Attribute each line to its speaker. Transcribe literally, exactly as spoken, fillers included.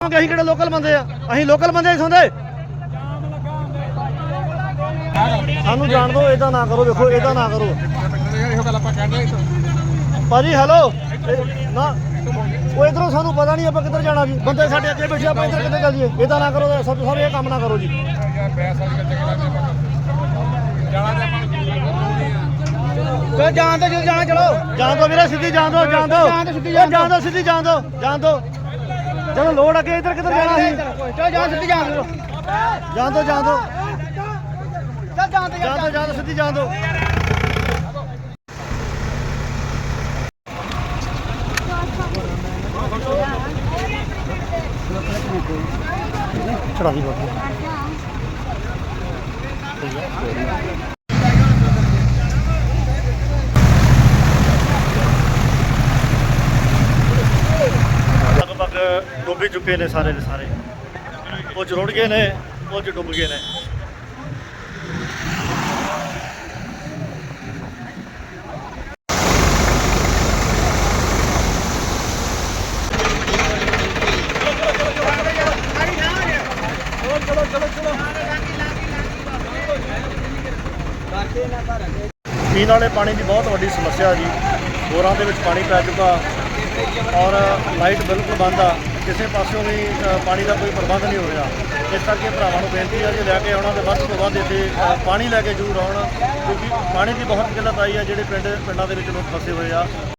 Speaker 1: ਅਸੀਂ ਕਿਹੜੇ ਲੋਕਲ ਬੰਦੇ ਆ, ਅਸੀਂ ਲੋਕਲ ਬੰਦੇ ਸੌਂਦੇ। ਸਾਨੂੰ ਜਾਣ ਦਿਓ, ਇਦਾਂ ਨਾ ਕਰੋ। ਦੇਖੋ ਇਦਾਂ ਨਾ ਕਰੋ ਭਾਜੀ। ਹੈਲੋ ਨਾ, ਉਹ ਇਧਰੋਂ ਸਾਨੂੰ ਪਤਾ ਨਹੀਂ ਆਪਾਂ ਕਿੱਧਰ ਜਾਣਾ ਜੀ। ਬੰਦੇ ਸਾਡੇ ਅੱਗੇ ਬੈਠੇ, ਆਪਾਂ ਇੱਧਰ ਕਿੱਥੇ ਚੱਲ ਜੀਏ। ਇਦਾਂ ਨਾ ਕਰੋ ਸਭ ਸਾਰੇ, ਇਹ ਕੰਮ ਨਾ ਕਰੋ ਜੀ।
Speaker 2: ਜਾਣ ਦੋ, ਜਦੋਂ ਜਾਣਾ ਚਲੋ
Speaker 1: ਜਾਣ ਦੋ ਵੀਰੇ, ਸਿੱਧੀ ਜਾਣ ਦੋ, ਜਾਣ ਦੋ, ਜਾਣ ਦੋ, ਸਿੱਧੀ ਜਾਣ ਦੋ, ਜਾਣ ਦੋ। ਜਦੋਂ ਲੋੜ ਅੱਗੇ ਇੱਧਰ ਕਿੱਧਰ ਜਾਣਾ ਸੀ।
Speaker 2: ਚਲੋ ਜਾਣ, ਸਿੱਧੀ ਜਾਣ ਦੋ,
Speaker 1: ਜਾਣ ਦੋ, ਜਾਣ ਦੋ,
Speaker 2: ਚੱਲ ਜਾਣ ਦੋ,
Speaker 1: ਜਾਣ ਦੋ, ਜਾਣ ਦੋ, ਸਿੱਧੀ ਜਾਣ ਦੋ। ਚੜਾ ਦੀ ਬਾਬੂ ਲਗਭਗ ਡੁੱਬ ਚੁੱਕੇ ਨੇ ਸਾਰੇ ਦੇ ਸਾਰੇ। ਕੁਝ ਰੁੜ ਗਏ ਨੇ, ਕੁਝ ਡੁੱਬ ਗਏ ਨੇ। ਪੀਣ ਵਾਲੇ ਪਾਣੀ ਦੀ ਬਹੁਤ ਵੱਡੀ ਸਮੱਸਿਆ ਜੀ। ਬੋਰਾਂ ਦੇ ਵਿੱਚ ਪਾਣੀ ਪੈ ਚੁੱਕਾ ਔਰ ਲਾਈਟ ਬਿਲਕੁਲ ਬੰਦ ਆ। ਕਿਸੇ ਪਾਸਿਓਂ ਵੀ ਪਾਣੀ ਦਾ ਕੋਈ ਪ੍ਰਬੰਧ ਨਹੀਂ ਹੋ ਰਿਹਾ। ਇਸ ਕਰਕੇ ਭਰਾਵਾਂ ਨੂੰ ਬੇਨਤੀ ਹੈ ਜੇ ਲੈ ਕੇ ਆਉਣਾ ਤਾਂ ਵੱਧ ਤੋਂ ਵੱਧ ਇੱਥੇ ਪਾਣੀ ਲੈ ਕੇ ਜ਼ਰੂਰ ਆਉਣ, ਕਿਉਂਕਿ ਪਾਣੀ ਦੀ ਬਹੁਤ ਕਿੱਲਤ ਆਈ ਹੈ। ਜਿਹੜੇ ਪਿੰਡ ਪਿੰਡਾਂ ਦੇ ਵਿੱਚ ਲੋਕ ਫਸੇ ਹੋਏ ਆ।